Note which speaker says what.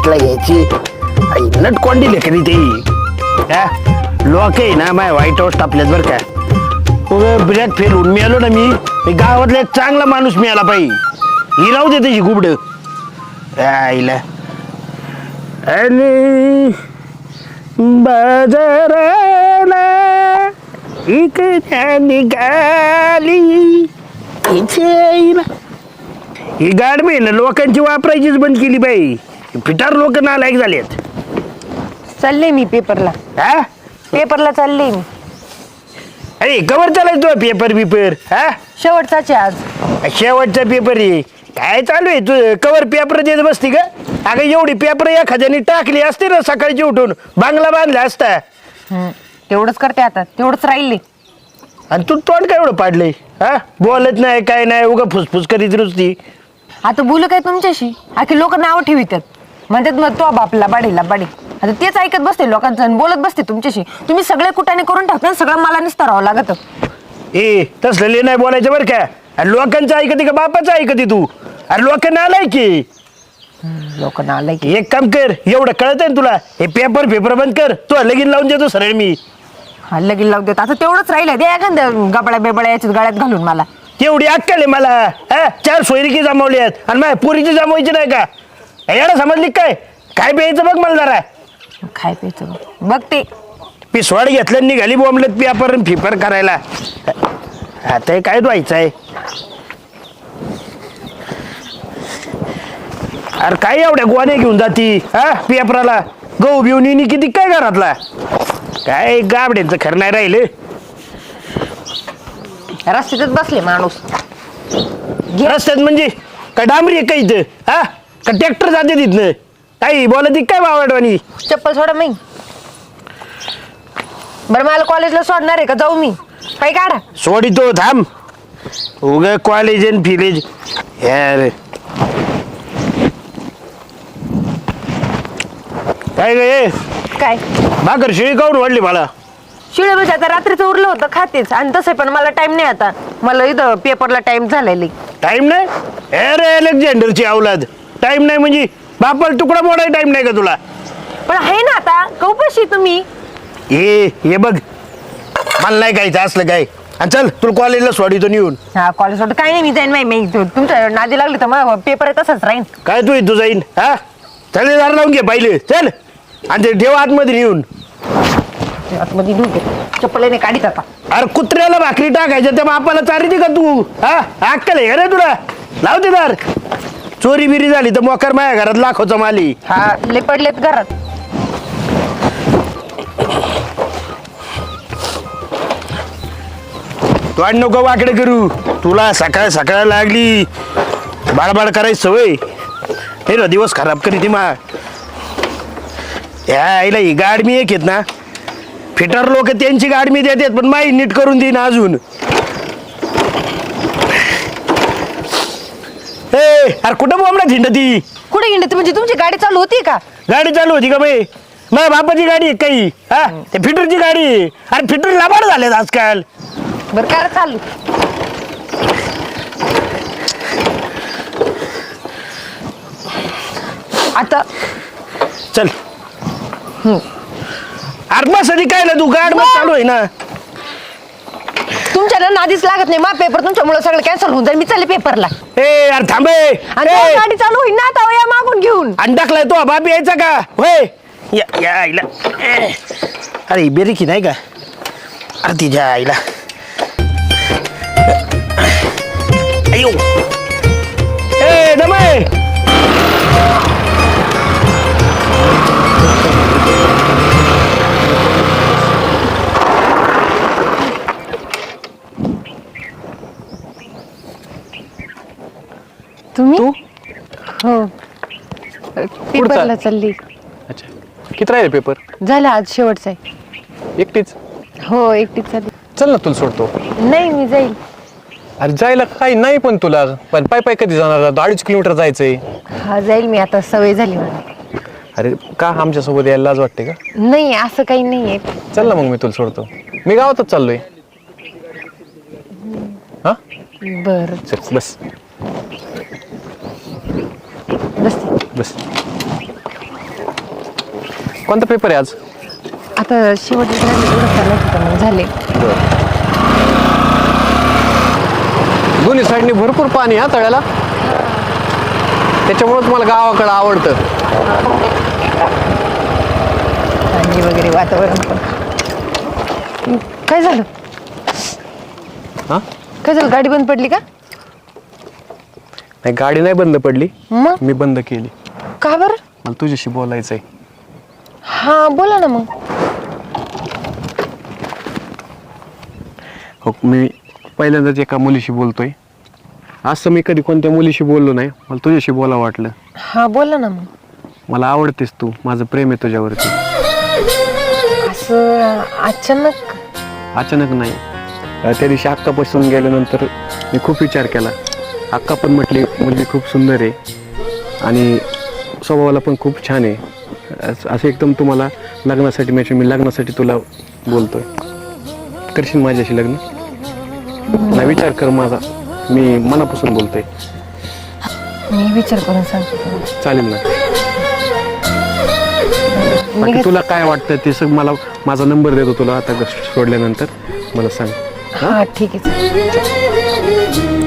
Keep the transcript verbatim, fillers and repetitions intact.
Speaker 1: टेस्टला घ्यायची. नट कोंडी लेकरी ती लोक आहे ना माय व्हाईट हाऊस टापल्यात बरं का. ब्रॅक फेल होऊन मिळालो ना मी गावातला एक चांगला माणूस मिळाला पाहिजे. ही राहू दे त्याची गुबड राहिला आणि बाजाराला इकडे निघाली ही गाडमी ना लोकांची वापरायचीच बंद केली बाई. फिटार लोक नालायक झालेत.
Speaker 2: चालले मी पेपरला.
Speaker 1: हा
Speaker 2: पेपरला चालले मी.
Speaker 1: अरे कवर चालायचो पेपर बिपर हा
Speaker 2: शेवटचाच आहे आज.
Speaker 1: शेवटचा पेपर आहे काय चालू आहे तू कवर पेपर देत बसती का. अगं एवढी पेपर एखाद्याने टाकली असते ना सकाळची उठून बांगला बांधला असता.
Speaker 2: तेवढंच करते आता तेवढंच राहिले.
Speaker 1: आणि तू तोंड काय एवढं पाडलंय हा बोलत नाही काय नाही उगा फुसफुस करीत रुसती.
Speaker 2: आता बोलू काय तुमच्याशी आखी लोक नाव ठेवितात म्हणतात मग तो बापला बाडीला बाडी. आता तेच ऐकत बसते लोकांचं आणि बोलत बसते तुमच्याशी. तुम्ही सगळे कुटाने करून टाकता सगळं मला निस्तारावं लागत.
Speaker 1: ए तसलं नाही बोलायचं बरं का. अरे लोकांचं ऐकते का बापाचं ऐकते तू. अरे लोकांना आलाय की
Speaker 2: लोकांना आलाय की.
Speaker 1: एक काम कर एवढं कळत आहे तुला हे पेपर पेपर बंद कर तू लगीन लावून देतो सरळ मी.
Speaker 2: हा लगीन लावून देत आता तेवढंच राहिलं दे एखाद्या गबळ्या बेबळ्या याच्यात गाड्यात घालून मला.
Speaker 1: तेवढी अक्कल आहे मला हा चार सोयरिकी जमावली आहेत आणि माझ्या पुरीची जमवायची नाही का. याला समजली काय काय प्यायचं बघ मला जरा.
Speaker 2: काय प्यायचं बघ ते
Speaker 1: पिसवाड घेतलं निघाली बोंबलत पेपर फिपर करायला. आता हे काय व्हायचं आहे. अरे काय एवढ्या गोवाने घेऊन जाती हा पेपराला गहू बिवून येणी किती काय घरातला काय गाबड्यांचं खरं नाही राहिलं.
Speaker 2: रस्त्यातच बसले माणूस.
Speaker 1: रस्त्यात म्हणजे काय डांबरी आहे का इथं हा का ट्रॅक्टर जाते तिथनं काही बोलत काय बावडवानी.
Speaker 2: चप्पल सोडा मी. बरं मला कॉलेजला सोडणार आहे का जाऊ मी काही काढा.
Speaker 1: सोडितो थांब उग कॉलेज आणि फिलेज यार काय गे
Speaker 2: काय
Speaker 1: भाकर शिळी काऊन वाढली मला.
Speaker 2: शिळे म्हणजे आता रात्रीचं उरलं होतं खातेच आणि तसं पण मला टाइम नाही आता. मला इथं पेपरला टाइम झालेला.
Speaker 1: टाइम नाही अरे अलेक्झांडरची अवलाद टाइम नाही म्हणजे बापाला तुकडा मोडाय टाइम नाही का तुला.
Speaker 2: पण आहे ना आता कौपाशी तुम्ही.
Speaker 1: ये हे बघ मला नाही खायचं असलं काय आणि चल तुला कॉलेजला सोडितो येऊन.
Speaker 2: हा कॉलेज सोडत काही नाही मी जाईन मी तुमच्या नादी लागली तर मग पेपर तसंच राहीन.
Speaker 1: काय तू इथं जाईन हा चल दार लावून घे पाहिले चल आणि ते ठेव आतमध्ये येऊन.
Speaker 2: आतमध्ये चप्पल काढीत आता.
Speaker 1: अरे कुत्र्याला भाकरी टाकायच्या त्या बापाला चारिती का तू हा अक्कल आहे रे तुला. लावते दार चोरी बिरी झाली तर मोकर माझ्या घरात लाखोचा माली.
Speaker 2: हा ले पडलेत घरात.
Speaker 1: तू आणि नको वाकडे करू तुला सकाळ सकाळ लागली बाळबाळ करायची सवय हे ना दिवस खराब करी ती मा. या आईला ही गाडमी एक येत ना फिटर लोक त्यांची गाडमी देतात पण माई नीट करून देईन अजून. ए अरे कुठं बोंबला थिंड ती
Speaker 2: कुठे गेली म्हणजे तुमची गाडी चालू होती का.
Speaker 1: गाडी चालू होती का बाई माझ्या बापाची गाडी आहे काही हा ते फिटरची गाडी आहे. अरे फिटर लाभाड झालेत आजकाल.
Speaker 2: बरं काय चालू आता
Speaker 1: चल अरे मग सदी काय ना तू गाड मग चालू आहे ना.
Speaker 2: तुमच्या ना नादीच लागत नाही मा पेपर तुमच्यामुळे सगळं कॅन्सल होऊन जाईल. मी चालले पेपरला.
Speaker 1: ए यार थांबे
Speaker 2: आणि गाडी चालू होईल ना आता या मागून घेऊन.
Speaker 1: अंडाकलाय तो बाप यायचा का होय या या आईला अरे बेरीकी नाही का अरे तिच्या आईला अयो ए दमे
Speaker 2: तुम्ही हो पेपरला चालली.
Speaker 3: अच्छा किती राहिले पेपर.
Speaker 2: झालं आज शेवटचा आहे.
Speaker 3: एकटीच
Speaker 2: हो एकटीच चालली.
Speaker 3: चल ना तुला सोडतो.
Speaker 2: नाही मी जाईल.
Speaker 3: अरे जायला काही नाही पण तुला पण पाय पाय कधी जाणार अडीच किलोमीटर जायचंय.
Speaker 2: हा जाईल मी आता सवय झाली मला.
Speaker 3: अरे का आमच्यासोबत यायला लाज वाटते का.
Speaker 2: नाही असं काही नाहीये.
Speaker 3: चल ना मग मी तुला सोडतो. मी गावातच चाललोय. हा
Speaker 2: बर
Speaker 3: चल बस
Speaker 2: बस
Speaker 3: बस कोणता पेपर आहे आज?
Speaker 2: आता शेवटचे राहिले तेवढं चालत होतं मग झाले.
Speaker 3: दोन्ही साईडनी भरपूर पाणी हा तळ्याला, त्याच्यामुळेच मला गावाकडं आवडतं.
Speaker 2: थंडी वगैरे वातावरण पण. काय झालं?
Speaker 3: हा
Speaker 2: काय झालं, गाडी बंद पडली का?
Speaker 3: नाही, गाडी नाही बंद पडली,
Speaker 2: मग
Speaker 3: मी बंद केली.
Speaker 2: का बरं?
Speaker 3: मला तुझ्याशी बोलायचंय.
Speaker 2: हा बोला ना मग.
Speaker 3: हो, मी पहिल्यांदाच एका मुलीशी बोलतोय. असं मी कधी कोणत्या मुलीशी बोललो नाही, मला तुझ्याशी बोला वाटलं.
Speaker 2: हा बोला ना मग.
Speaker 3: मला आवडतेस तू, माझं प्रेम आहे तुझ्यावरती.
Speaker 2: असं अचानक?
Speaker 3: अचानक नाही, अं, त्या दिवशी अक्कापासून गेल्यानंतर मी खूप विचार केला. अक्का पण म्हटली मुलगी खूप सुंदर आहे आणि स्वभावाला पण खूप छान आहे. असं असं एकदम तुम्हाला लग्नासाठी म्हणजे मी लग्नासाठी तुला बोलतोय. करशील माझ्याशी लग्न? नाही, विचार कर माझा, मी मनापासून बोलतोय.
Speaker 2: मी विचार करून सांगते तुम्हाला.
Speaker 3: चालेल ना? बाकी
Speaker 2: निघत-
Speaker 3: तुला काय वाटतं ते सग मला माझा नंबर देतो तुला आता सोडल्यानंतर मला सांग.
Speaker 2: हा ठीक आहे चालेल.